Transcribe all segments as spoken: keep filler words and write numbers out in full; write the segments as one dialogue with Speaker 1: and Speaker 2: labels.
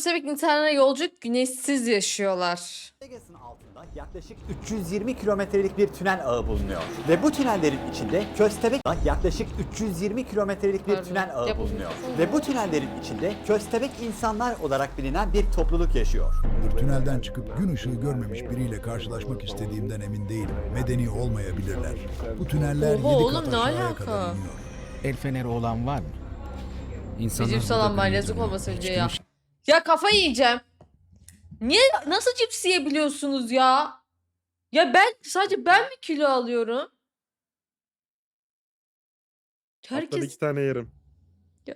Speaker 1: köstebek insanlara yolculuk güneşsiz yaşıyorlar.
Speaker 2: Las Vegas'ın altında yaklaşık üç yüz yirmi kilometrelik bir tünel ağı bulunuyor. Ve bu tünellerin içinde köstebek yaklaşık üç yüz yirmi kilometrelik bir
Speaker 1: Pardon.
Speaker 2: tünel ağı
Speaker 1: Yapın.
Speaker 2: bulunuyor. Ve bu tünellerin içinde köstebek insanlar olarak bilinen bir topluluk yaşıyor.
Speaker 3: Tünelden çıkıp gün ışığı görmemiş biriyle karşılaşmak istediğimden emin değilim. Medeni olmayabilirler. Bu tüneller
Speaker 1: Oha
Speaker 3: yedi
Speaker 1: oğlum,
Speaker 3: kat
Speaker 1: ne
Speaker 3: aşağıya
Speaker 1: alaka?
Speaker 3: kadar iniyor.
Speaker 4: El feneri olan var mı? İnsanlar
Speaker 1: Bizim
Speaker 4: burada
Speaker 1: salam var
Speaker 4: böyle
Speaker 1: yazık
Speaker 4: duruyor.
Speaker 1: olmasın
Speaker 4: Hiç
Speaker 1: diye ya.
Speaker 4: kimse-
Speaker 1: Ya kafayı yiyeceğim. Niye nasıl cips yiyebiliyorsunuz ya? Ya ben sadece ben mi kilo alıyorum?
Speaker 5: Haftada iki
Speaker 1: Herkes
Speaker 5: tane yerim.
Speaker 1: Ya-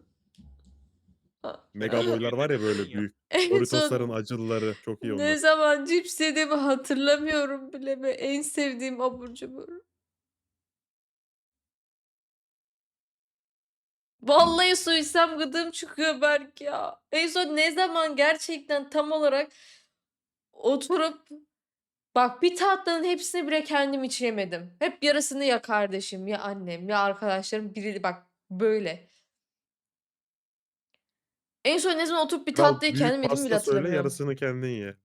Speaker 5: Mega boylar var ya böyle büyük.
Speaker 1: en
Speaker 5: Doritos'ların
Speaker 1: son
Speaker 5: acılıları çok iyi
Speaker 1: ne
Speaker 5: onlar.
Speaker 1: zaman cips yediğimi hatırlamıyorum bile ve en sevdiğim abur cubur. Vallahi su içsem gıdım çıkıyor Berk ya. En son ne zaman gerçekten tam olarak oturup bak bir tatlının hepsini bile kendim içemedim. Hep yarısını ya kardeşim ya annem ya arkadaşlarım biri bak böyle. En son ne zaman oturup bir
Speaker 5: Kral
Speaker 1: tatlıyı
Speaker 5: büyük
Speaker 1: kendim yedim bile
Speaker 5: pasta söyle
Speaker 1: hatırlamıyorum.
Speaker 5: yarısını kendin ye.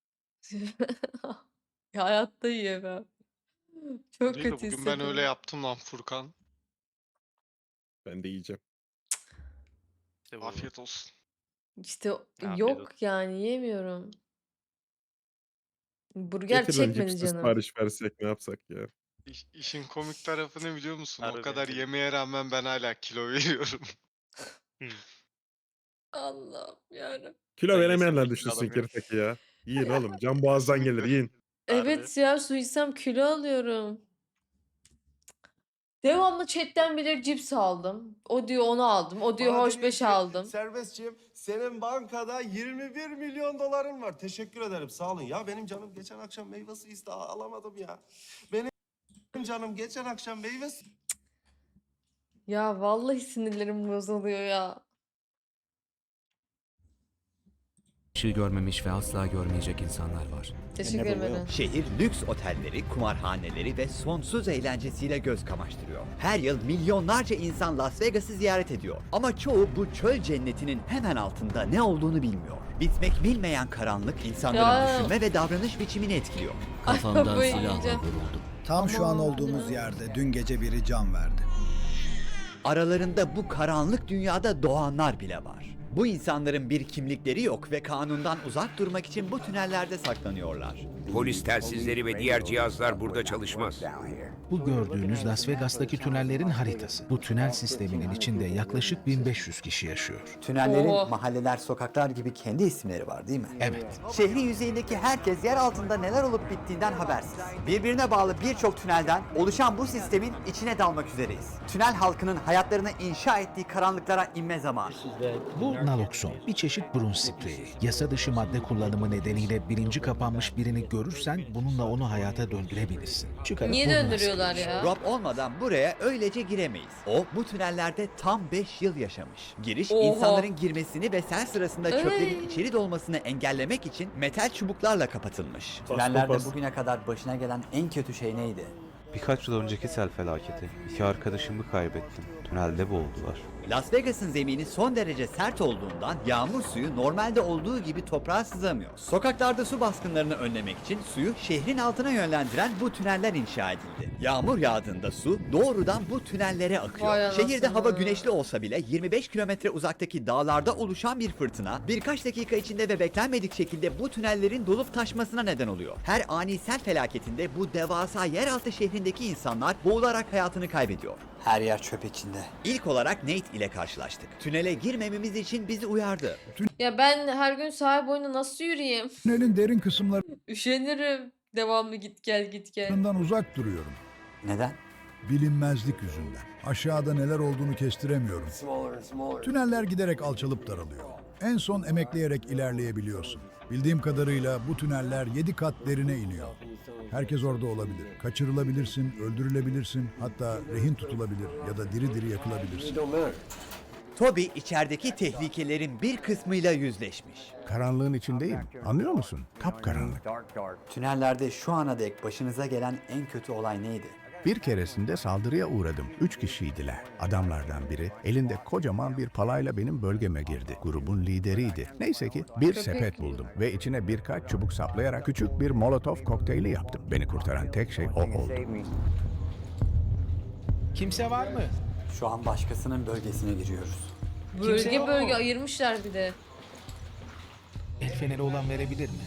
Speaker 1: Ya hayatta yiyemem. Çok
Speaker 6: Değil de
Speaker 1: kötü
Speaker 6: bugün ben öyle
Speaker 1: hissediyorum.
Speaker 6: yaptım lan Furkan.
Speaker 5: Ben de yiyeceğim.
Speaker 7: İşte bu.
Speaker 6: Afiyet olsun.
Speaker 1: İşte
Speaker 7: Afiyet
Speaker 1: yok
Speaker 7: olsun.
Speaker 1: yani yemiyorum. Burger
Speaker 5: Getir lan
Speaker 1: çekmedi
Speaker 5: cipsi
Speaker 1: canım.
Speaker 5: sipariş versek ne yapsak ya.
Speaker 6: İş- işin komik tarafı ne biliyor musun?
Speaker 7: Harbi
Speaker 6: O kadar
Speaker 7: bence de.
Speaker 6: yemeye rağmen ben hala kilo veriyorum.
Speaker 1: Allah'ım yarabbim.
Speaker 5: Kilo
Speaker 7: Ben
Speaker 5: veremeyenler
Speaker 7: yesem
Speaker 5: düşünsün
Speaker 7: alamıyorum.
Speaker 5: Kiritaki ya. Yiyin oğlum. Can boğazdan gelir yiyin.
Speaker 1: Evet ya su içsem kilo alıyorum. Devamlı chatten bile cips aldım. O diyor onu aldım. O diyor
Speaker 8: Bana
Speaker 1: hoş
Speaker 8: deniyor
Speaker 1: beş
Speaker 8: ki,
Speaker 1: aldım.
Speaker 8: Serbestçiyim. Senin bankada yirmi bir milyon doların var. Teşekkür ederim. Sağ olun. Ya benim canım geçen akşam meyve suyu istedi. Alamadım ya. Benim canım geçen akşam meyve suyu
Speaker 1: Ya vallahi sinirlerim bozuluyor ya.
Speaker 4: Işığı görmemiş ve asla görmeyecek insanlar var.
Speaker 1: Teşekkür ederim.
Speaker 2: Şehir lüks otelleri, kumarhaneleri ve sonsuz eğlencesiyle göz kamaştırıyor. Her yıl milyonlarca insan Las Vegas'ı ziyaret ediyor. Ama çoğu bu çöl cennetinin hemen altında ne olduğunu bilmiyor. Bitmek bilmeyen karanlık insanların
Speaker 1: Ya.
Speaker 2: düşünme ve davranış biçimini etkiliyor.
Speaker 1: Kafamdan silahla
Speaker 4: vuruldum.
Speaker 3: Tam şu an
Speaker 1: Aman
Speaker 3: olduğumuz
Speaker 1: ya.
Speaker 3: yerde dün gece biri can verdi.
Speaker 2: Aralarında bu karanlık dünyada doğanlar bile var. Bu insanların bir kimlikleri yok ve kanundan uzak durmak için bu tünellerde saklanıyorlar.
Speaker 9: Polis telsizleri ve diğer cihazlar burada çalışmaz.
Speaker 4: Bu gördüğünüz Las Vegas'taki tünellerin haritası. Bu tünel sisteminin içinde yaklaşık bin beş yüz kişi yaşıyor.
Speaker 2: Tünellerin
Speaker 1: Oo.
Speaker 2: mahalleler, sokaklar gibi kendi isimleri var değil mi?
Speaker 4: Evet.
Speaker 2: Şehrin yüzeyindeki herkes yer altında neler olup bittiğinden habersiz. Birbirine bağlı birçok tünelden oluşan bu sistemin içine dalmak üzereyiz. Tünel halkının hayatlarını inşa ettiği karanlıklara inme zamanı.
Speaker 4: Bu nalokson, bir çeşit burun spreyi. Yasa dışı madde kullanımı nedeniyle bilinci kapanmış birini görürsen bununla onu hayata döndürebilirsin. Çıkarıp
Speaker 1: Niye
Speaker 4: burnuna
Speaker 1: döndürüyorlar
Speaker 4: sıkıyorsun.
Speaker 1: ya?
Speaker 2: Rob olmadan buraya öylece giremeyiz. O bu tünellerde tam beş yıl yaşamış. Giriş
Speaker 1: Oha.
Speaker 2: insanların girmesini ve sel sırasında çöplerin
Speaker 1: Ey.
Speaker 2: içeri dolmasını engellemek için metal çubuklarla kapatılmış.
Speaker 5: Bas,
Speaker 2: Tünellerde
Speaker 5: bas.
Speaker 2: bugüne kadar başına gelen en kötü şey neydi?
Speaker 10: Birkaç yıl önceki sel felaketi. İki arkadaşımı kaybettim. Tünelde boğuldular.
Speaker 2: Las Vegas'ın zemini son derece sert olduğundan yağmur suyu normalde olduğu gibi toprağa sızamıyor. Sokaklarda su baskınlarını önlemek için suyu şehrin altına yönlendiren bu tüneller inşa edildi. Yağmur yağdığında su doğrudan bu tünellere akıyor.
Speaker 1: Vay anasını.
Speaker 2: Şehirde hava güneşli olsa bile yirmi beş kilometre uzaktaki dağlarda oluşan bir fırtına birkaç dakika içinde ve beklenmedik şekilde bu tünellerin dolup taşmasına neden oluyor. Her ani sel felaketinde bu devasa yeraltı şehrindeki insanlar boğularak hayatını kaybediyor. Her yer çöp içinde. İlk olarak Nate ile karşılaştık. Tünele girmememiz için bizi uyardı.
Speaker 1: Ya ben her gün sahil boyunda nasıl yürüyeyim?
Speaker 3: Tünelin derin kısımlarından
Speaker 1: Üşenirim. Devamlı git gel git gel.
Speaker 3: uzak duruyorum.
Speaker 2: Neden?
Speaker 3: Bilinmezlik yüzünden. Aşağıda neler olduğunu kestiremiyorum. Tüneller giderek alçalıp daralıyor. En son emekleyerek ilerleyebiliyorsun. Bildiğim kadarıyla bu tüneller yedi kat derine iniyor. Herkes orada olabilir. Kaçırılabilirsin, öldürülebilirsin, hatta rehin tutulabilir ya da diri diri yakılabilirsin.
Speaker 2: Toby içerideki tehlikelerin bir kısmıyla yüzleşmiş.
Speaker 3: Karanlığın içindeyim. Anlıyor musun? Kapkaranlık.
Speaker 2: Tünellerde şu ana dek başınıza gelen en kötü olay neydi?
Speaker 3: Bir keresinde saldırıya uğradım. Üç kişiydiler. Adamlardan biri elinde kocaman bir palayla benim bölgeme girdi. Grubun lideriydi. Neyse ki bir sepet buldum ve içine birkaç çubuk saplayarak küçük bir molotof kokteyli yaptım. Beni kurtaran tek şey o oldu.
Speaker 4: Kimse var mı?
Speaker 11: Şu an başkasının bölgesine giriyoruz.
Speaker 1: Bölge
Speaker 4: yok
Speaker 1: bölge
Speaker 4: mu?
Speaker 1: ayırmışlar bir de.
Speaker 4: El feneri olan verebilir mi?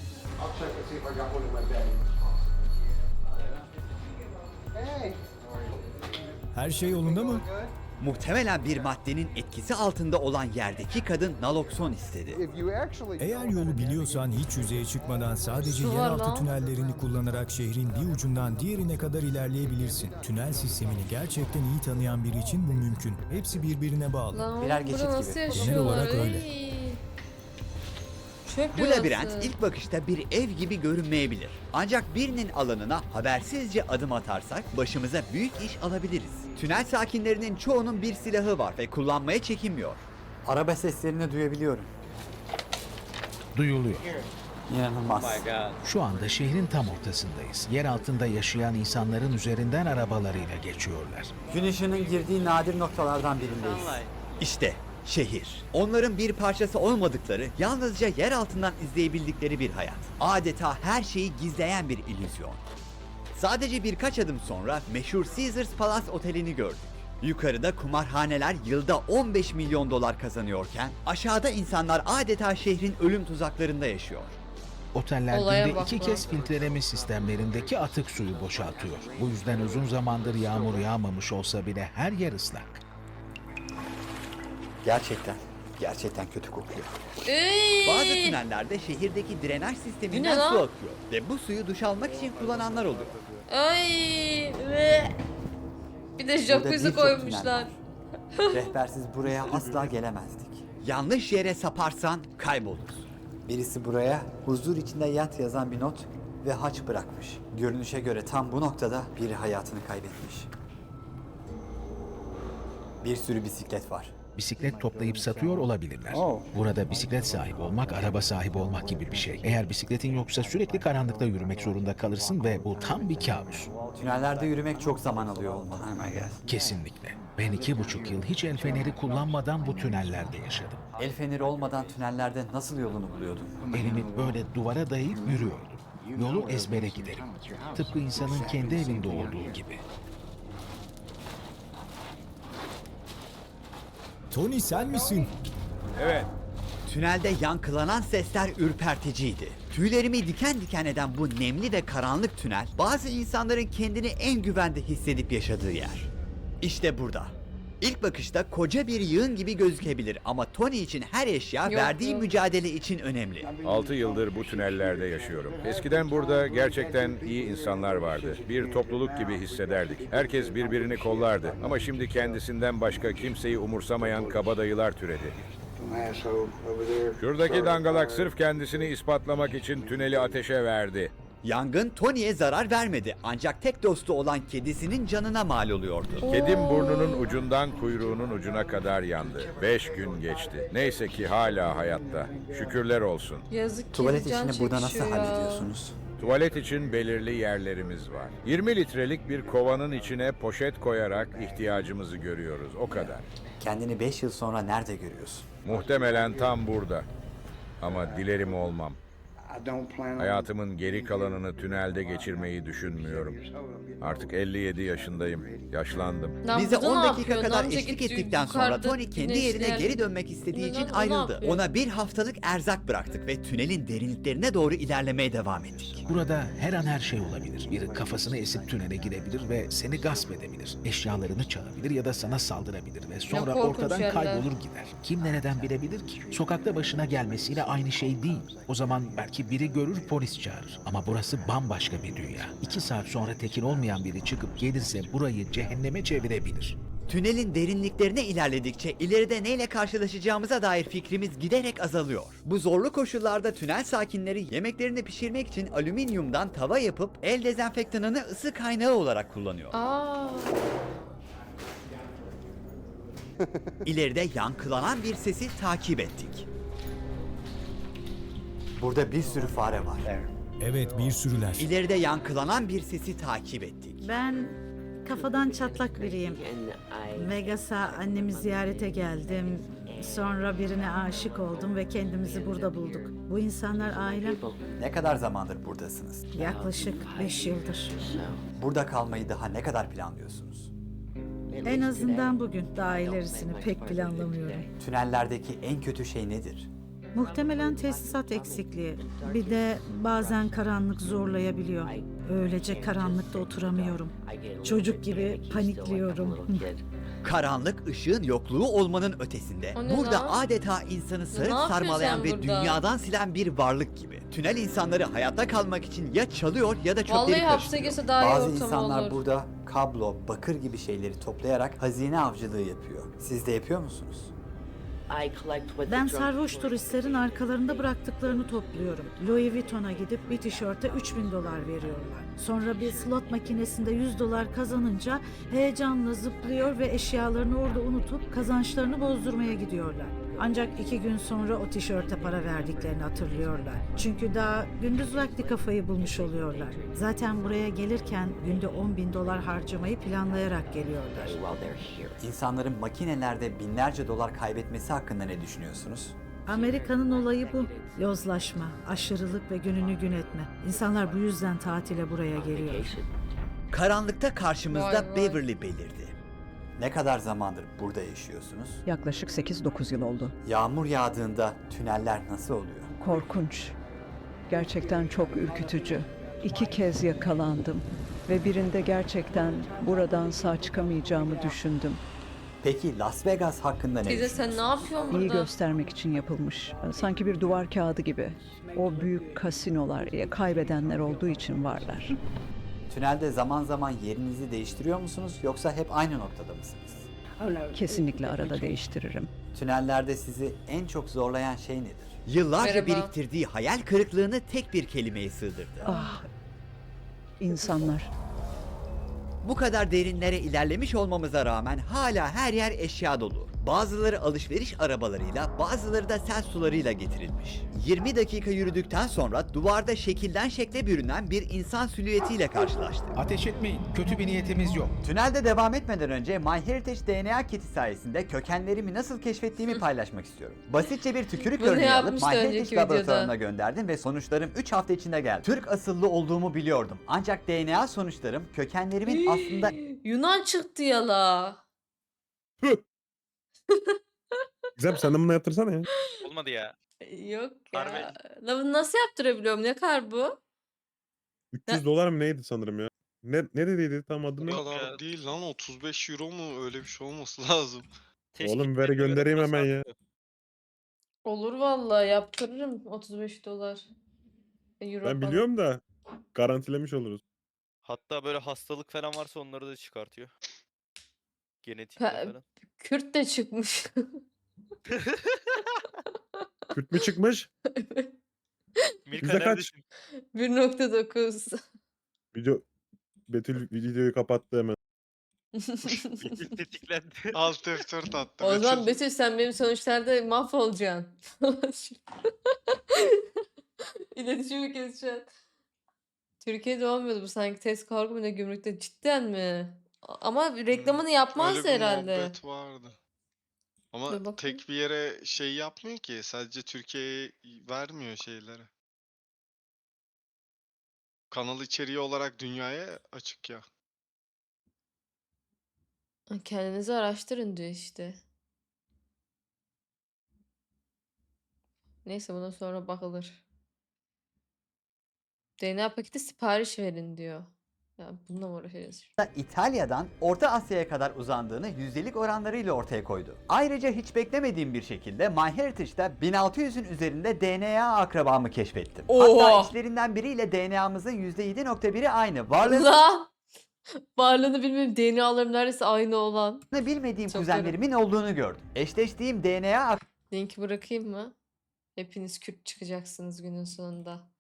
Speaker 3: Her şey yolunda mı?
Speaker 2: Muhtemelen bir maddenin etkisi altında olan yerdeki kadın nalokson istedi.
Speaker 3: Eğer yolu biliyorsan hiç yüzeye çıkmadan sadece
Speaker 1: Su var
Speaker 3: yeraltı
Speaker 1: lan.
Speaker 3: tünellerini kullanarak şehrin bir ucundan diğerine kadar ilerleyebilirsin. Tünel sistemini gerçekten iyi tanıyan biri için bu mümkün. Hepsi birbirine bağlı.
Speaker 1: Lan
Speaker 11: Birer
Speaker 1: oğlum,
Speaker 11: geçit
Speaker 1: burada nasıl
Speaker 11: gibi.
Speaker 1: yaşıyorlar?
Speaker 3: olarak öyle.
Speaker 1: Ey. Çöp
Speaker 2: Bu
Speaker 1: yuvası.
Speaker 2: labirent ilk bakışta bir ev gibi görünmeyebilir. Ancak birinin alanına habersizce adım atarsak başımıza büyük iş alabiliriz. Tünel sakinlerinin çoğunun bir silahı var ve kullanmaya çekinmiyor.
Speaker 11: Araba seslerini duyabiliyorum.
Speaker 4: Duyuluyor.
Speaker 11: İnanılmaz.
Speaker 4: Şu anda şehrin tam ortasındayız. Yer altında yaşayan insanların üzerinden arabalarıyla geçiyorlar.
Speaker 11: Gün ışığının girdiği nadir noktalardan birindeyiz.
Speaker 2: İşte şehir. Onların bir parçası olmadıkları, yalnızca yer altından izleyebildikleri bir hayat. Adeta her şeyi gizleyen bir illüzyon. Sadece birkaç adım sonra meşhur Caesars Palace Oteli'ni gördük. Yukarıda kumarhaneler yılda on beş milyon dolar kazanıyorken aşağıda insanlar adeta şehrin ölüm tuzaklarında yaşıyor.
Speaker 4: Oteller
Speaker 1: Olaya
Speaker 4: günde
Speaker 1: bak
Speaker 4: iki
Speaker 1: lan.
Speaker 4: kez filtreleme sistemlerindeki atık suyu boşaltıyor. Bu yüzden uzun zamandır yağmur yağmamış olsa bile her yer ıslak.
Speaker 11: Gerçekten, gerçekten kötü kokuyor.
Speaker 1: Ey!
Speaker 2: Bazı tünellerde şehirdeki drenaj
Speaker 1: Bu ne
Speaker 2: sisteminden
Speaker 1: lan?
Speaker 2: su akıyor ve bu suyu duş almak için kullananlar oluyor.
Speaker 1: Ay! Ve bir de
Speaker 11: Burada
Speaker 1: jacuzzi
Speaker 11: birçok
Speaker 1: koymuşlar.
Speaker 11: tünel var. Rehbersiz buraya asla gelemezdik.
Speaker 2: Yanlış yere saparsan kaybolursun.
Speaker 11: Birisi buraya huzur içinde yat yazan bir not ve haç bırakmış. Görünüşe göre tam bu noktada biri hayatını kaybetmiş. Bir sürü bisiklet var.
Speaker 4: Bisiklet toplayıp satıyor olabilirler.
Speaker 11: Oh.
Speaker 4: Burada bisiklet sahibi olmak, araba sahibi olmak gibi bir şey. Eğer bisikletin yoksa sürekli karanlıkta yürümek zorunda kalırsın ve bu tam bir kabus.
Speaker 11: Tünellerde yürümek çok zaman alıyor olmalı.
Speaker 4: Kesinlikle. Ben iki buçuk yıl hiç el feneri kullanmadan bu tünellerde yaşadım.
Speaker 11: El feneri olmadan tünellerde nasıl yolunu buluyordun?
Speaker 4: Elimi böyle duvara dayayıp yürüyordum. Yolu ezbere giderim. Tıpkı insanın kendi evinde olduğu gibi.
Speaker 3: Tony sen misin?
Speaker 9: Evet.
Speaker 2: Tünelde yankılanan sesler ürperticiydi. Tüylerimi diken diken eden bu nemli ve karanlık tünel, bazı insanların kendini en güvende hissedip yaşadığı yer. İşte burada. İlk bakışta koca bir yığın gibi gözükebilir ama Tony için her eşya
Speaker 1: Yok,
Speaker 2: verdiği
Speaker 1: yok.
Speaker 2: mücadele için önemli.
Speaker 9: altı yıldır bu tünellerde yaşıyorum. Eskiden burada gerçekten iyi insanlar vardı. Bir topluluk gibi hissederdik. Herkes birbirini kollardı. Ama şimdi kendisinden başka kimseyi umursamayan kabadayılar türedi. Şuradaki dangalak sırf kendisini ispatlamak için tüneli ateşe verdi.
Speaker 2: Yangın Tony'ye zarar vermedi ancak tek dostu olan kedisinin canına mal oluyordu.
Speaker 9: Kedim burnunun ucundan kuyruğunun ucuna kadar yandı. Beş gün geçti. Neyse ki hala hayatta. Şükürler olsun.
Speaker 1: Yazık ki
Speaker 11: Tuvalet
Speaker 1: can
Speaker 11: işini burada nasıl
Speaker 1: çekişiyor ya.
Speaker 11: hallediyorsunuz?
Speaker 9: Tuvalet için belirli yerlerimiz var. yirmi litrelik bir kovanın içine poşet koyarak ihtiyacımızı görüyoruz. O kadar.
Speaker 11: Kendini beş yıl sonra nerede görüyorsun?
Speaker 9: Muhtemelen tam burada. Ama dilerim olmam. Hayatımın geri kalanını tünelde geçirmeyi düşünmüyorum. Artık elli yedi yaşındayım. Yaşlandım.
Speaker 1: Lan
Speaker 2: Bize
Speaker 1: burada
Speaker 2: on
Speaker 1: ne
Speaker 2: dakika
Speaker 1: yapıyor?
Speaker 2: kadar
Speaker 1: Amca
Speaker 2: eşlik
Speaker 1: gitti,
Speaker 2: ettikten sonra
Speaker 1: yukarıda
Speaker 2: Tony kendi yerine
Speaker 1: güneşler-
Speaker 2: geri dönmek istediği için
Speaker 1: Bunlar da ne
Speaker 2: ayrıldı.
Speaker 1: yapıyor?
Speaker 2: Ona bir haftalık erzak bıraktık ve tünelin derinliklerine doğru ilerlemeye devam ettik.
Speaker 4: Burada her an her şey olabilir. Biri kafasını esip tünele girebilir ve seni gasp edebilir. Eşyalarını çalabilir ya da sana saldırabilir ve sonra
Speaker 1: korkunç
Speaker 4: ortadan
Speaker 1: yerler.
Speaker 4: kaybolur gider. Kim nereden bilebilir ki? Sokakta başına gelmesiyle aynı şey değil. O zaman belki biri görür, polis çağırır. Ama burası bambaşka bir dünya. İki saat sonra tekin olmayan biri çıkıp gelirse burayı cehenneme çevirebilir.
Speaker 2: Tünelin derinliklerine ilerledikçe ileride neyle karşılaşacağımıza dair fikrimiz giderek azalıyor. Bu zorlu koşullarda tünel sakinleri yemeklerini pişirmek için alüminyumdan tava yapıp el dezenfektanını ısı kaynağı olarak kullanıyor.
Speaker 1: Aa.
Speaker 2: İleride yankılanan bir sesi takip ettik.
Speaker 11: Burada bir sürü fare var.
Speaker 3: Evet bir sürüler.
Speaker 2: İleride yankılanan bir sesi takip ettik.
Speaker 12: Ben kafadan çatlak biriyim. Vegas'a annemi ziyarete geldim. Sonra birine aşık oldum ve kendimizi burada bulduk. Bu insanlar ailem.
Speaker 11: Ne kadar zamandır buradasınız?
Speaker 12: Yaklaşık beş yıldır.
Speaker 11: Burada kalmayı daha ne kadar planlıyorsunuz?
Speaker 12: En azından bugün, daha ilerisini pek planlamıyorum.
Speaker 11: Tünellerdeki en kötü şey nedir?
Speaker 12: Muhtemelen tesisat eksikliği. Bir de bazen karanlık zorlayabiliyor. Öylece karanlıkta oturamıyorum. Çocuk gibi panikliyorum.
Speaker 2: Karanlık ışığın yokluğu olmanın ötesinde.
Speaker 1: O ne
Speaker 2: Burada
Speaker 1: lan?
Speaker 2: adeta insanı sarıp
Speaker 1: yapıyorsun
Speaker 2: sarmalayan
Speaker 1: sen
Speaker 2: ve
Speaker 1: burada?
Speaker 2: dünyadan silen bir varlık gibi. Tünel insanları hayatta kalmak için ya çalıyor ya da çöpleri
Speaker 1: Vallahi hapse
Speaker 2: karıştırıyor.
Speaker 1: girse daha iyi
Speaker 11: Bazı
Speaker 1: ortam
Speaker 11: insanlar
Speaker 1: olur.
Speaker 11: burada kablo, bakır gibi şeyleri toplayarak hazine avcılığı yapıyor. Siz de yapıyor musunuz?
Speaker 12: Ben sarhoş turistlerin arkalarında bıraktıklarını topluyorum. Louis Vuitton'a gidip bir tişörte üç bin dolar veriyorlar. Sonra bir slot makinesinde yüz dolar kazanınca heyecanla zıplıyor ve eşyalarını orada unutup kazançlarını bozdurmaya gidiyorlar. Ancak iki gün sonra o tişörte para verdiklerini hatırlıyorlar. Çünkü daha gündüz vakti kafayı bulmuş oluyorlar. Zaten buraya gelirken günde on bin dolar harcamayı planlayarak geliyorlar.
Speaker 11: İnsanların makinelerde binlerce dolar kaybetmesi hakkında ne düşünüyorsunuz?
Speaker 12: Amerika'nın olayı bu. Yozlaşma, aşırılık ve gününü gün etme. İnsanlar bu yüzden tatile buraya geliyor.
Speaker 2: Karanlıkta karşımızda
Speaker 1: Vay vay.
Speaker 2: Beverly belirdi.
Speaker 11: Ne kadar zamandır burada yaşıyorsunuz?
Speaker 13: Yaklaşık sekiz dokuz yıl oldu.
Speaker 11: Yağmur yağdığında tüneller nasıl oluyor?
Speaker 13: Korkunç. Gerçekten çok ürkütücü. İki kez yakalandım ve birinde gerçekten buradan sağ çıkamayacağımı düşündüm.
Speaker 11: Peki Las Vegas hakkında ne
Speaker 1: Teyze sen ne
Speaker 11: düşünüyorsunuz?
Speaker 1: yapıyorsun
Speaker 13: İyi
Speaker 1: burada?
Speaker 13: göstermek için yapılmış. Sanki bir duvar kağıdı gibi. O büyük kasinolar ya kaybedenler olduğu için varlar.
Speaker 11: Tünelde zaman zaman yerinizi değiştiriyor musunuz yoksa hep aynı noktada mısınız?
Speaker 13: Kesinlikle arada değiştiririm.
Speaker 11: Tünellerde sizi en çok zorlayan şey nedir?
Speaker 2: Yıllarca
Speaker 1: Merhaba.
Speaker 2: biriktirdiği hayal kırıklığını tek bir kelimeye sığdırdı.
Speaker 13: Ah, insanlar.
Speaker 2: Bu kadar derinlere ilerlemiş olmamıza rağmen hala her yer eşya dolu. Bazıları alışveriş arabalarıyla, bazıları da sel sularıyla getirilmiş. yirmi dakika yürüdükten sonra duvarda şekilden şekle bürünen bir insan silüetiyle karşılaştık.
Speaker 4: Ateş etmeyin. Kötü bir niyetimiz yok.
Speaker 11: Tünelde devam etmeden önce MyHeritage D N A kiti sayesinde kökenlerimi nasıl keşfettiğimi paylaşmak istiyorum. Basitçe bir tükürük
Speaker 1: Bunu
Speaker 11: örneği alıp
Speaker 1: yapmıştı
Speaker 11: MyHeritage
Speaker 1: önceki
Speaker 11: laboratuvarına
Speaker 1: videoda.
Speaker 11: gönderdim ve sonuçlarım üç hafta içinde geldi. Türk asıllı olduğumu biliyordum. Ancak D N A sonuçlarım kökenlerimin aslında
Speaker 1: Yunan çıktı yala.
Speaker 5: Gizem sen de bunu yaptırsana ya.
Speaker 7: Olmadı ya.
Speaker 1: Yok ya.
Speaker 7: Harbi.
Speaker 1: La bunu nasıl yaptırabiliyorum? Ne kadar bu?
Speaker 5: üç yüz dolar mı neydi sanırım ya? Ne ne dediydi tam adı
Speaker 6: O
Speaker 5: ne?
Speaker 7: Yok
Speaker 6: kadar
Speaker 7: ya.
Speaker 6: değil lan, otuz beş euro mu, öyle bir şey olması lazım.
Speaker 5: Oğlum ver göndereyim hemen ya.
Speaker 1: Olur vallahi yaptırırım otuz beş dolar. E, Euro
Speaker 5: Ben
Speaker 1: falan.
Speaker 5: biliyorum da garantilemiş oluruz.
Speaker 7: Hatta böyle hastalık falan varsa onları da çıkartıyor. Genetik
Speaker 1: Pe-
Speaker 7: falan.
Speaker 1: Kürt de çıkmış.
Speaker 5: Kürt mü çıkmış?
Speaker 7: Milka
Speaker 5: Yüzde kaç?
Speaker 7: neredesin?
Speaker 1: bir nokta dokuz.
Speaker 5: Video Betül videoyu kapattı hemen.
Speaker 7: Betül tetiklendi.
Speaker 6: Alt F dört attı.
Speaker 1: O zaman
Speaker 6: Betül.
Speaker 1: Betül sen benim sonuçlarda mahvolacaksın. İletişimi keseceksin. Türkiye'de olmuyordu bu sanki, test kargo mu ne, gümrükte, cidden mi? A- Ama reklamını yapmaz
Speaker 6: Öyle bir
Speaker 1: herhalde.
Speaker 6: muhabbet vardı.
Speaker 1: Dur
Speaker 6: Ama
Speaker 1: bakayım.
Speaker 6: tek bir yere şey yapmıyor ki. Sadece Türkiye'ye vermiyor şeyleri. Kanal içeriği olarak dünyaya açık ya.
Speaker 1: Kendinizi araştırın diyor işte. Neyse buna sonra bakılır. D N A paketi sipariş verin diyor. Ya bununla mı uğraşacağız?
Speaker 11: İtalya'dan Orta Asya'ya kadar uzandığını yüzdelik oranlarıyla ortaya koydu. Ayrıca hiç beklemediğim bir şekilde MyHeritage'da bin altı yüzün üzerinde D N A akrabamı keşfettim. Hatta
Speaker 1: Oha!
Speaker 11: içlerinden biriyle D N A'mızın yüzde yedi nokta biri aynı. Varlığını
Speaker 1: Lan! Varlığını bilmiyorum. D N A'larım neredeyse aynı olan.
Speaker 11: bilmediğim
Speaker 1: Çok
Speaker 11: kuzenlerimin olduğunu gördüm. Eşleştiğim D N A
Speaker 1: Linki bırakayım mı? Hepiniz Kürt çıkacaksınız günün sonunda.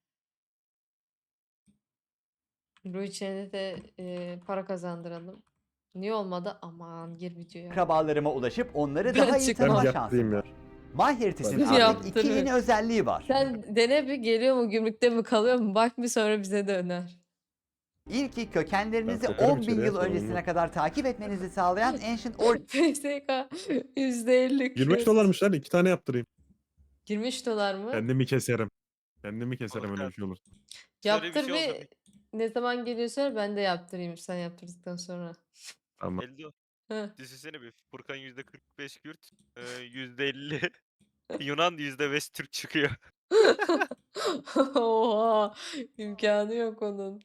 Speaker 1: Bu içine de e, para kazandıralım. Niye olmadı? Aman gir videoya.
Speaker 11: akrabalarıma ulaşıp onları
Speaker 1: Ben
Speaker 11: daha iyi
Speaker 1: çıkmam.
Speaker 11: tanıma
Speaker 5: Ben
Speaker 11: şansım
Speaker 5: yaptırayım ya.
Speaker 11: var. MyHeritage'in
Speaker 1: Ben
Speaker 11: artık iki
Speaker 1: yaptırırım.
Speaker 11: yeni özelliği var.
Speaker 1: Sen dene bir, geliyor mu, gümrükte mi kalıyor mu? Bak bir, sonra bize de öner.
Speaker 11: İlki kökenlerinizi
Speaker 5: Ben bakarım
Speaker 11: on bin
Speaker 5: içeriye,
Speaker 11: yıl
Speaker 5: sorun
Speaker 11: öncesine
Speaker 5: yok.
Speaker 11: kadar takip etmenizi sağlayan Ancient Origins
Speaker 1: P S K yüzde elli
Speaker 5: yirmi beş dolarmış lan iki tane yaptırayım.
Speaker 1: yirmi üç dolar mı?
Speaker 5: Kendimi keserim. Kendimi keserim öyle bir şey olur.
Speaker 7: Şöyle bir
Speaker 1: Yaptır
Speaker 7: şey olsa
Speaker 1: bir ne zaman geliyorsa ben de yaptırayım sen yaptırdıktan sonra.
Speaker 5: Tamam.
Speaker 7: Eldo.
Speaker 1: Hı.
Speaker 7: Düşünsene bir. Furkan yüzde kırk beş Kürt, e, yüzde elli Yunan, yüzde beş Türk çıkıyor.
Speaker 1: Oha, imkanı yok onun.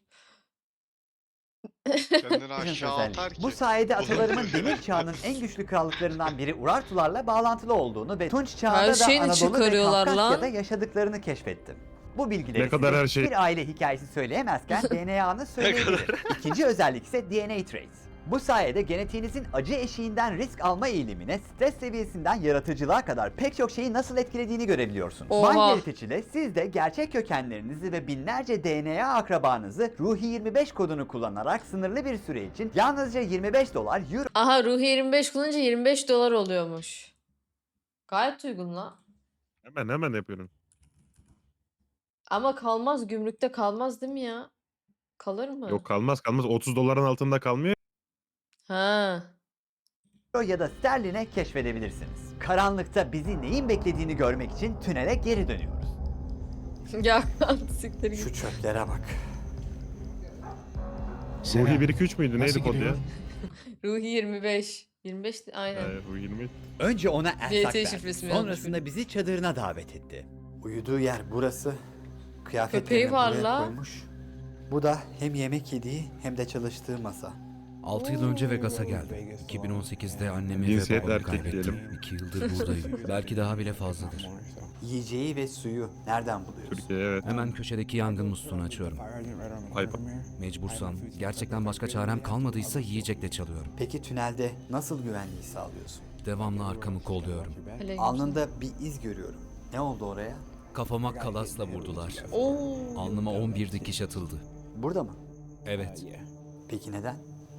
Speaker 6: Kendini aşağı
Speaker 11: özelliği.
Speaker 6: atar ki.
Speaker 11: Bu sayede
Speaker 6: Olur.
Speaker 11: atalarımın demir çağının en güçlü krallıklarından biri Urartularla bağlantılı olduğunu ve Tunç
Speaker 1: Her
Speaker 11: çağında da
Speaker 1: şeyini
Speaker 11: Anadolu ve
Speaker 1: çıkarıyorlar
Speaker 11: Kafkasya'da
Speaker 1: lan.
Speaker 11: yaşadıklarını keşfettim. Bu bilgileri
Speaker 5: Ne kadar
Speaker 11: size
Speaker 5: her şey.
Speaker 11: bir aile hikayesi söyleyemezken D N A'nı söyleyebilirim. İkinci özellik ise D N A trace. Bu sayede genetiğinizin acı eşiğinden risk alma eğilimine, stres seviyesinden yaratıcılığa kadar pek çok şeyi nasıl etkilediğini görebiliyorsunuz.
Speaker 1: Oha.
Speaker 11: MyHeritage ile siz de gerçek kökenlerinizi ve binlerce D N A akrabanızı Ruhi yirmi beş kodunu kullanarak sınırlı bir süre için yalnızca yirmi beş dolar, euro
Speaker 1: Aha Ruhi yirmi beş kullanınca yirmi beş dolar oluyormuş. Gayet uygun lan.
Speaker 5: Hemen hemen yapıyorum. Ama
Speaker 1: Ama kalmaz gümrükte kalmaz değil mi ya? Kalır mı?
Speaker 5: Yok kalmaz kalmaz. otuz doların altında kalmıyor.
Speaker 1: Ha.
Speaker 11: ya da sterline keşfedebilirsiniz. Karanlıkta bizi neyin beklediğini görmek için tünele geri dönüyoruz.
Speaker 1: Ya siktir
Speaker 11: Şu
Speaker 1: git.
Speaker 11: çöplere bak.
Speaker 5: Ruhi bir iki üç müydü?
Speaker 4: Nasıl
Speaker 5: Neydi kod ya?
Speaker 4: gidiyor?
Speaker 1: Ruhi yirmi beş. yirmi beş de- aynen.
Speaker 5: Hayır, Ruhi yirmi.
Speaker 11: Önce ona
Speaker 1: C
Speaker 11: ersak
Speaker 1: T
Speaker 11: verdi.
Speaker 1: şifresi mi yazmış
Speaker 11: Sonrasında
Speaker 1: biri?
Speaker 11: bizi çadırına davet etti. Uyuduğu yer burası. Kıyafetlerini
Speaker 1: Köpeği var
Speaker 11: buraya
Speaker 1: la.
Speaker 11: koymuş. Bu da hem yemek yediği hem de çalıştığı masa.
Speaker 14: altı yıl önce Vegas'a geldim. iki bin on sekizde annemi ve
Speaker 5: Cinsiyet
Speaker 14: babamı
Speaker 5: erkek
Speaker 14: kaybettim.
Speaker 5: diyelim.
Speaker 14: iki yıldır buradayım. Belki daha bile fazladır.
Speaker 11: Yiyeceği ve suyu nereden buluyorsun?
Speaker 5: Türkiye evet.
Speaker 14: Hemen köşedeki yangın musluğunu açıyorum.
Speaker 5: Ayıp.
Speaker 14: Mecbursam, gerçekten başka çarem kalmadıysa yiyecekle çalıyorum.
Speaker 11: Peki tünelde nasıl güvenliği sağlıyorsun?
Speaker 14: Devamlı arkamı kolluyorum.
Speaker 1: Aleyküm
Speaker 11: Alnında bir iz görüyorum. Ne oldu oraya?
Speaker 14: Kafama kalasla vurdular.
Speaker 1: selam. Oo.
Speaker 14: Alnıma on bir dikiş atıldı.
Speaker 11: Burada mı?
Speaker 14: Evet,
Speaker 11: Peki neden?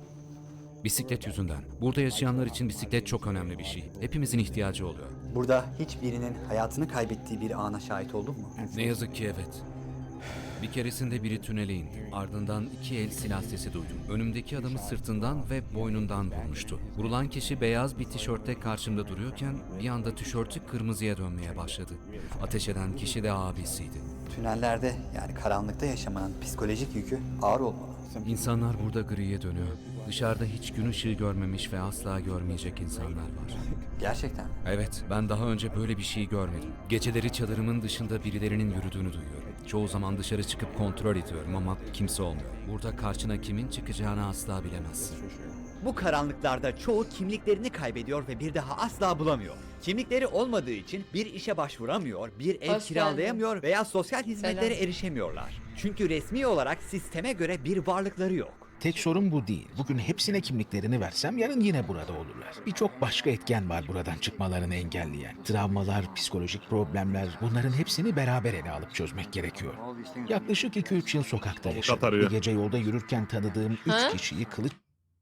Speaker 14: bisiklet yüzünden. Burada yaşayanlar için bisiklet çok önemli bir şey. Hepimizin ihtiyacı oluyor.
Speaker 11: Burada hiçbirinin hayatını kaybettiği bir ana şahit oldun mu?
Speaker 14: Ne yazık ki evet. Bir keresinde biri tünele indi. Ardından iki el silah sesi duydum. Önümdeki adamı sırtından ve boynundan vurmuştu. Vurulan kişi beyaz bir tişörtte karşımda duruyorken bir anda tişörtü kırmızıya dönmeye başladı. Ateş eden kişi de abisiydi.
Speaker 11: Tünellerde yani karanlıkta yaşamanın psikolojik yükü ağır olmalı.
Speaker 14: İnsanlar burada griye dönüyor. Dışarıda hiç gün ışığı görmemiş ve asla görmeyecek insanlar var.
Speaker 11: Gerçekten mi?
Speaker 14: Evet, ben daha önce böyle bir şey görmedim. Geceleri çadırımın dışında birilerinin yürüdüğünü duyuyorum. Çoğu zaman dışarı çıkıp kontrol ediyorum ama kimse olmuyor. Burada karşına kimin çıkacağını asla bilemezsin.
Speaker 2: Bu karanlıklarda çoğu kimliklerini kaybediyor ve bir daha asla bulamıyor. Kimlikleri olmadığı için bir işe başvuramıyor, bir ev
Speaker 1: Hoş
Speaker 2: kiralayamıyor veya sosyal hizmetlere
Speaker 1: Selam.
Speaker 2: erişemiyorlar. Çünkü resmi olarak sisteme göre bir varlıkları yok.
Speaker 4: Tek sorun bu değil. Bugün hepsine kimliklerini versem yarın yine burada olurlar. Birçok başka etken var buradan çıkmalarını engelleyen. Travmalar, psikolojik problemler, bunların hepsini beraber ele alıp çözmek gerekiyor. Yaklaşık iki üç yıl sokakta yaşadım.
Speaker 5: arıyor.
Speaker 4: Bir gece yolda yürürken tanıdığım üç
Speaker 1: Ha?
Speaker 4: kişiyi kılıç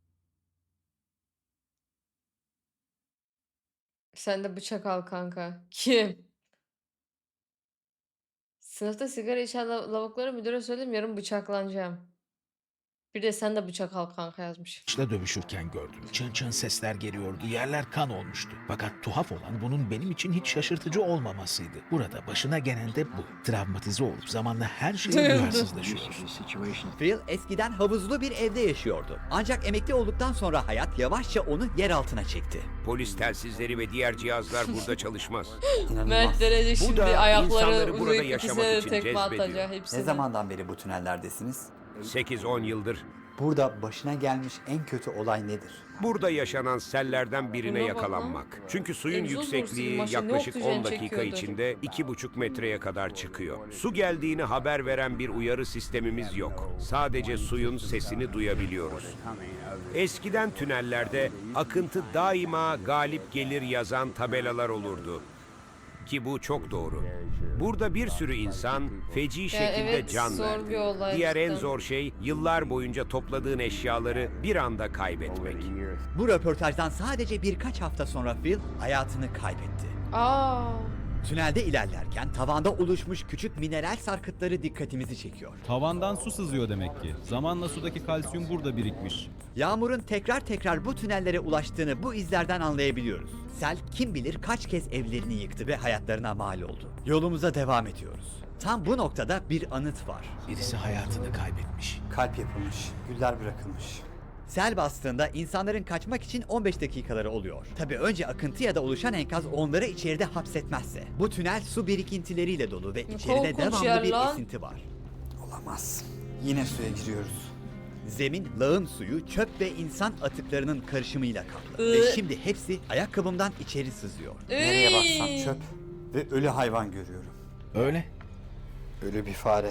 Speaker 1: Sen de bıçak al kanka. Kim? Sınıfta sigara içen lav- lavuklara müdüre söyledim yarın bıçaklanacağım. Bir de sen de bıçak al kanka yazmış.
Speaker 4: ile dövüşürken gördüm. Çın çın sesler geliyordu, yerler kan olmuştu. Fakat tuhaf olan bunun benim için hiç şaşırtıcı olmamasıydı. Burada başına gelen de bu. Travmatize olup zamanla her şeye
Speaker 1: Duyuldu.
Speaker 4: duyarsızlaşıyorsun.
Speaker 2: Phil eskiden havuzlu bir evde yaşıyordu. Ancak emekli olduktan sonra hayat yavaşça onu yer altına çekti.
Speaker 9: Polis telsizleri ve diğer cihazlar burada çalışmaz.
Speaker 11: İnanılmaz.
Speaker 1: Mert derece şimdi
Speaker 9: da
Speaker 1: ayakları
Speaker 9: insanları burada
Speaker 1: uzayıp
Speaker 9: yaşamak
Speaker 1: ikisine de
Speaker 9: için
Speaker 1: tekme
Speaker 9: cezbediyor.
Speaker 1: atacak
Speaker 11: Ne
Speaker 1: hepsine.
Speaker 11: zamandan beri bu tünellerdesiniz?
Speaker 9: sekiz on yıldır.
Speaker 11: Burada başına gelmiş en kötü olay nedir?
Speaker 9: Burada yaşanan sellerden birine
Speaker 1: Buna bak lan.
Speaker 9: yakalanmak. Çünkü suyun
Speaker 1: Egzoz borusu gibi
Speaker 9: yüksekliği
Speaker 1: maşa, ne
Speaker 9: yaklaşık
Speaker 1: oksijen
Speaker 9: on dakika
Speaker 1: çekiyordur.
Speaker 9: içinde iki buçuk metreye kadar çıkıyor. Su geldiğini haber veren bir uyarı sistemimiz yok. Sadece suyun sesini duyabiliyoruz. Eskiden tünellerde akıntı daima galip gelir yazan tabelalar olurdu. Ki bu çok doğru. Burada bir sürü insan feci şekilde
Speaker 1: evet,
Speaker 9: can
Speaker 1: zor
Speaker 9: verdi.
Speaker 1: bir olay
Speaker 9: Diğer en
Speaker 1: cidden.
Speaker 9: zor şey yıllar boyunca topladığın eşyaları bir anda kaybetmek.
Speaker 2: Bu röportajdan sadece birkaç hafta sonra Phil hayatını kaybetti.
Speaker 1: Aa.
Speaker 2: Tünelde ilerlerken tavanda oluşmuş küçük mineral sarkıtları dikkatimizi çekiyor.
Speaker 15: Tavandan su sızıyor demek ki. Zamanla sudaki kalsiyum burada birikmiş.
Speaker 2: Yağmurun tekrar tekrar bu tünellere ulaştığını bu izlerden anlayabiliyoruz. Sel kim bilir kaç kez evlerini yıktı ve hayatlarına mal oldu. Yolumuza devam ediyoruz. Tam bu noktada bir anıt var.
Speaker 4: Birisi hayatını kaybetmiş.
Speaker 11: Kalp yapılmış, güller bırakılmış.
Speaker 2: Sel bastığında insanların kaçmak için on beş dakikaları oluyor. Tabii önce akıntı ya da oluşan enkaz onları içeride hapsetmezse. Bu tünel su birikintileriyle dolu ve içeride
Speaker 1: Korkunç
Speaker 2: devamlı
Speaker 1: yer
Speaker 2: bir
Speaker 1: lan.
Speaker 2: esinti var.
Speaker 11: Olamaz. Yine suya giriyoruz.
Speaker 2: Zemin, lağım suyu, çöp ve insan atıklarının karışımıyla kaplı.
Speaker 1: Iı.
Speaker 2: Ve şimdi hepsi ayakkabımdan içeri sızıyor.
Speaker 11: Nereye baksam
Speaker 1: Iy.
Speaker 11: çöp ve ölü hayvan görüyorum.
Speaker 4: Öyle.
Speaker 11: Ölü bir fare.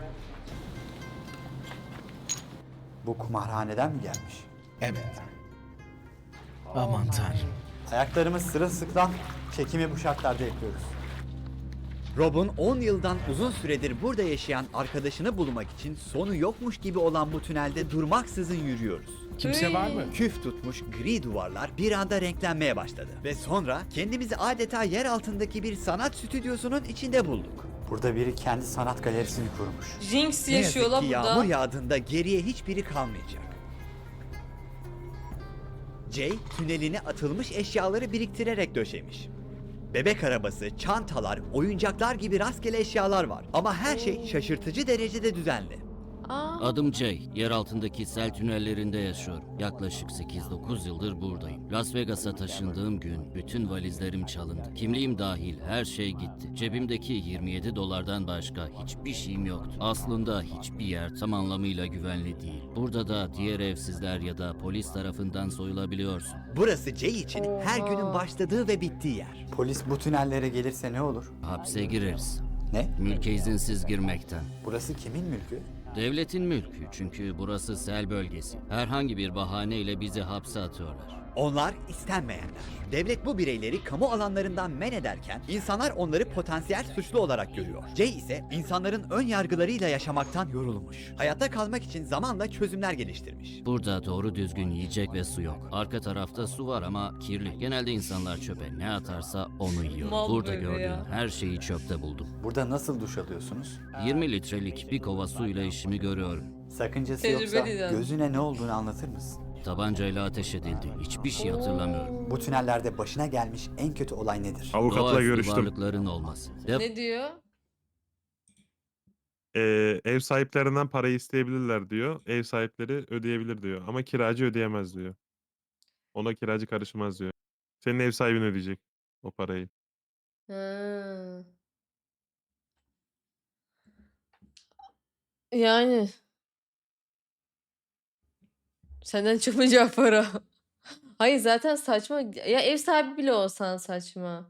Speaker 11: Bu kumarhaneden mi gelmiş?
Speaker 4: Evet. Aman tanrım.
Speaker 11: Ayaklarımız sırılsıklam, çekimi bu şartlarda yapıyoruz.
Speaker 2: Rob'un on yıldan uzun süredir burada yaşayan arkadaşını bulmak için sonu yokmuş gibi olan bu tünelde durmaksızın yürüyoruz.
Speaker 4: Kimse var mı?
Speaker 2: Küf tutmuş gri duvarlar bir anda renklenmeye başladı. Ve sonra kendimizi adeta yer altındaki bir sanat stüdyosunun içinde bulduk.
Speaker 11: Burada biri kendi sanat galerisini kurmuş.
Speaker 1: Jinx
Speaker 2: Ne yazık
Speaker 1: yaşıyor lan
Speaker 2: ki
Speaker 1: burada.
Speaker 2: yağmur yağdığında geriye hiçbiri kalmayacak. Jay tüneline atılmış eşyaları biriktirerek döşemiş. Bebek arabası, çantalar, oyuncaklar gibi rastgele eşyalar var. Ama her şey şaşırtıcı derecede düzenli.
Speaker 1: Aa,
Speaker 14: Adım Jay. Yer altındaki sel tünellerinde yaşıyorum. Yaklaşık sekiz dokuz yıldır buradayım. Las Vegas'a taşındığım gün bütün valizlerim çalındı. Kimliğim dahil her şey gitti. Cebimdeki yirmi yedi dolardan başka hiçbir şeyim yoktu. Aslında hiçbir yer tam anlamıyla güvenli değil. Burada da diğer evsizler ya da polis tarafından soyulabiliyorsun.
Speaker 2: Burası Jay için her
Speaker 1: Oha.
Speaker 2: günün başladığı ve bittiği yer.
Speaker 11: Polis bu tünellere gelirse ne olur?
Speaker 14: Hapse gireriz.
Speaker 11: Ne?
Speaker 14: Mülke izinsiz girmekten.
Speaker 11: Burası kimin mülkü?
Speaker 14: Devletin mülkü çünkü burası sel bölgesi. Herhangi bir bahaneyle bizi hapse atıyorlar.
Speaker 2: Onlar istenmeyenler. Devlet bu bireyleri kamu alanlarından men ederken insanlar onları potansiyel suçlu olarak görüyor. Jay ise insanların ön yargılarıyla yaşamaktan yorulmuş. Hayatta kalmak için zamanla çözümler geliştirmiş.
Speaker 14: Burada doğru düzgün yiyecek ve su yok. Arka tarafta su var ama kirli. Genelde insanlar çöpe ne atarsa onu yiyor.
Speaker 1: Mal
Speaker 14: Burada
Speaker 1: böyle
Speaker 14: gördüğün
Speaker 1: ya.
Speaker 14: her şeyi çöpte buldum.
Speaker 11: Burada nasıl duş alıyorsunuz?
Speaker 14: yirmi litrelik bir kova suyla işimi görüyorum.
Speaker 11: Sakıncası yoksa
Speaker 1: Tecrübeli yani.
Speaker 11: gözüne ne olduğunu anlatır mısın?
Speaker 14: Tabancayla ateş edildi. Hiçbir şey hatırlamıyorum.
Speaker 11: Bu tünellerde başına gelmiş en kötü olay nedir?
Speaker 5: Avukatla
Speaker 14: Doğaüstü
Speaker 5: görüştüm.
Speaker 14: varlıkların olması. Dep-
Speaker 1: ne diyor?
Speaker 5: Ee, ev sahiplerinden parayı isteyebilirler diyor. Ev sahipleri ödeyebilir diyor. Ama kiracı ödeyemez diyor. Ona kiracı karışmaz diyor. Senin ev sahibin ödeyecek o parayı.
Speaker 1: Ha. Yani. Senden çıkmayacak para. Hayır zaten saçma. Ya ev sahibi bile olsan saçma.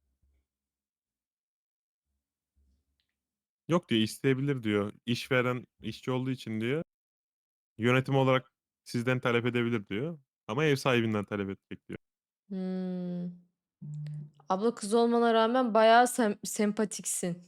Speaker 5: Yok diyor, isteyebilir diyor. İşveren işçi olduğu için diyor. Yönetim olarak sizden talep edebilir diyor. Ama ev sahibinden talep edecek diyor.
Speaker 1: Hmm. Abla kız olmana rağmen bayağı sem- sempatiksin.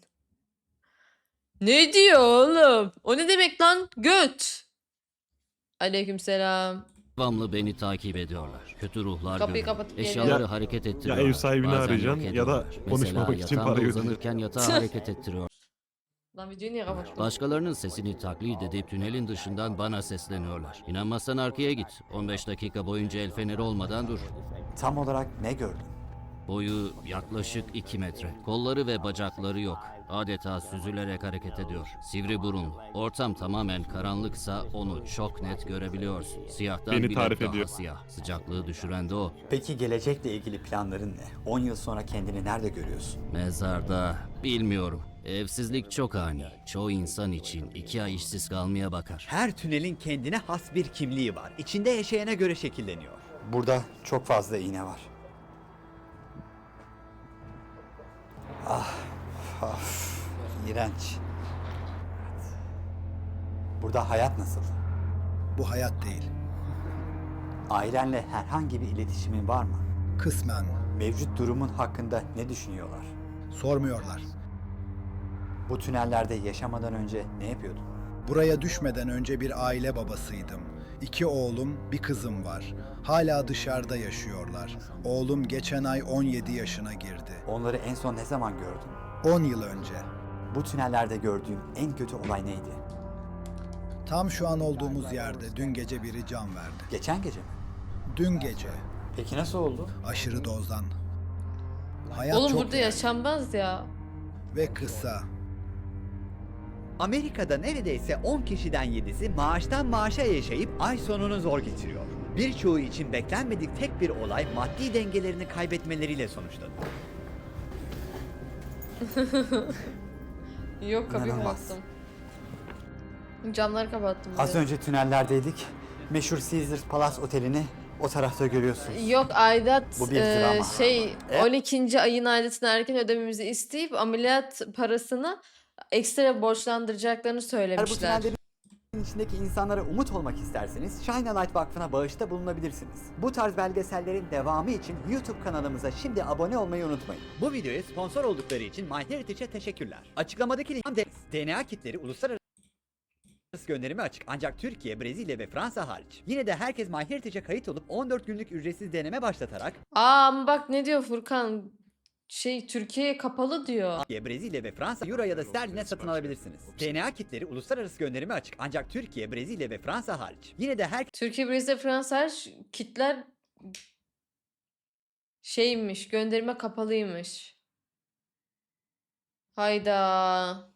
Speaker 1: Ne diyor oğlum? O ne demek lan? Göt. Aleykümselam.
Speaker 14: Devamlı beni takip ediyorlar. Kötü ruhlar
Speaker 1: Kapıyı
Speaker 14: görüyorum.
Speaker 1: kapatıp
Speaker 14: Eşyaları
Speaker 1: geliyorum.
Speaker 14: hareket
Speaker 5: Ya
Speaker 14: ettiriyorlar.
Speaker 5: ev sahibini
Speaker 14: Bazen yok
Speaker 5: arayacaksın ya da
Speaker 14: ediyorlar.
Speaker 5: konuşmamak
Speaker 14: Mesela
Speaker 5: için
Speaker 14: yatağımda
Speaker 5: para götüreceksin.
Speaker 14: uzanırken yatağı hareket ettiriyor.
Speaker 1: Lan videoyu niye kapattın?
Speaker 14: Başkalarının sesini taklit edip tünelin dışından bana sesleniyorlar. İnanmazsan arkaya git. on beş dakika boyunca el feneri olmadan dur.
Speaker 11: Tam olarak ne gördün?
Speaker 14: Boyu yaklaşık iki metre. Kolları ve bacakları yok. Adeta süzülerek hareket ediyor. Sivri burunlu. Ortam tamamen karanlıksa onu çok net görebiliyorsun. Siyahtan
Speaker 5: Beni
Speaker 14: bile
Speaker 5: tarif
Speaker 14: daha
Speaker 5: ediyor.
Speaker 14: siyah. Sıcaklığı düşüren de o.
Speaker 11: Peki gelecekle ilgili planların ne? on yıl sonra kendini nerede görüyorsun?
Speaker 14: Mezarda bilmiyorum. Evsizlik çok ani. Çoğu insan için iki ay işsiz kalmaya bakar.
Speaker 2: Her tünelin kendine has bir kimliği var. İçinde yaşayana göre şekilleniyor.
Speaker 11: Burada çok fazla iğne var. Ah, of, iğrenç. Burada hayat nasıl?
Speaker 3: Bu hayat değil.
Speaker 11: Ailenle herhangi bir iletişimin var mı?
Speaker 3: Kısmen.
Speaker 11: Mevcut durumun hakkında ne düşünüyorlar?
Speaker 3: Sormuyorlar.
Speaker 11: Bu tünellerde yaşamadan önce ne yapıyordun?
Speaker 3: Buraya düşmeden önce bir aile babasıydım.
Speaker 16: İki oğlum, bir kızım var. Hala dışarıda yaşıyorlar. Oğlum geçen ay on yedi yaşına girdi.
Speaker 11: Onları en son ne zaman gördün?
Speaker 16: on yıl önce.
Speaker 11: Bu tünellerde gördüğün en kötü olay neydi?
Speaker 16: Tam şu an olduğumuz yerde dün gece biri can verdi.
Speaker 11: Geçen gece mi?
Speaker 16: Dün gece.
Speaker 11: Peki nasıl oldu?
Speaker 16: Aşırı dozdan. Hayat
Speaker 1: Oğlum
Speaker 16: çok
Speaker 1: burada
Speaker 16: değerli
Speaker 1: yaşanmaz ya.
Speaker 16: ve kısa.
Speaker 2: Amerika'da neredeyse on kişiden yedisi maaştan maaşa yaşayıp ay sonunu zor getiriyor. Birçoğu için beklenmedik tek bir olay maddi dengelerini kaybetmeleriyle sonuçlanıyor.
Speaker 1: Yok kapıyı
Speaker 11: İnanılmaz.
Speaker 1: kapattım. Camları kapattım.
Speaker 11: Az
Speaker 1: bir de.
Speaker 11: önce tünellerdeydik. Meşhur Caesars Palace Oteli'ni o tarafta görüyorsunuz.
Speaker 1: Yok aidat
Speaker 11: Bu bir
Speaker 1: e,
Speaker 11: drama.
Speaker 1: şey
Speaker 11: E?
Speaker 1: on ikinci ayın aidatını erken ödememizi isteyip ameliyat parasını ekstra borçlandıracaklarını
Speaker 11: Eğer bu
Speaker 1: söylemişler.
Speaker 11: tünellerin içindeki insanlara umut olmak isterseniz Shine a Light Vakfı'na bağışta bulunabilirsiniz. Bu tarz belgesellerin devamı için YouTube kanalımıza şimdi abone olmayı unutmayın.
Speaker 2: Bu videoya sponsor oldukları için MyHeritage'e teşekkürler. Açıklamadaki link D N A kitleri uluslararası gönderime açık ancak Türkiye, Brezilya ve Fransa hariç. Yine de herkes MyHeritage'e kayıt olup on dört günlük ücretsiz deneme başlatarak
Speaker 1: Aa ama bak ne diyor Furkan? Şey Türkiye'ye kapalı diyor.
Speaker 2: Türkiye, Brezilya ve Fransa euro ya da sterline satın alabilirsiniz. D N A kitleri uluslararası gönderime açık ancak Türkiye, Brezilya ve Fransa hariç. Yine de herkes
Speaker 1: Türkiye, Brezilya, Fransa her kitler şeymiş, gönderime kapalıymış. Hayda.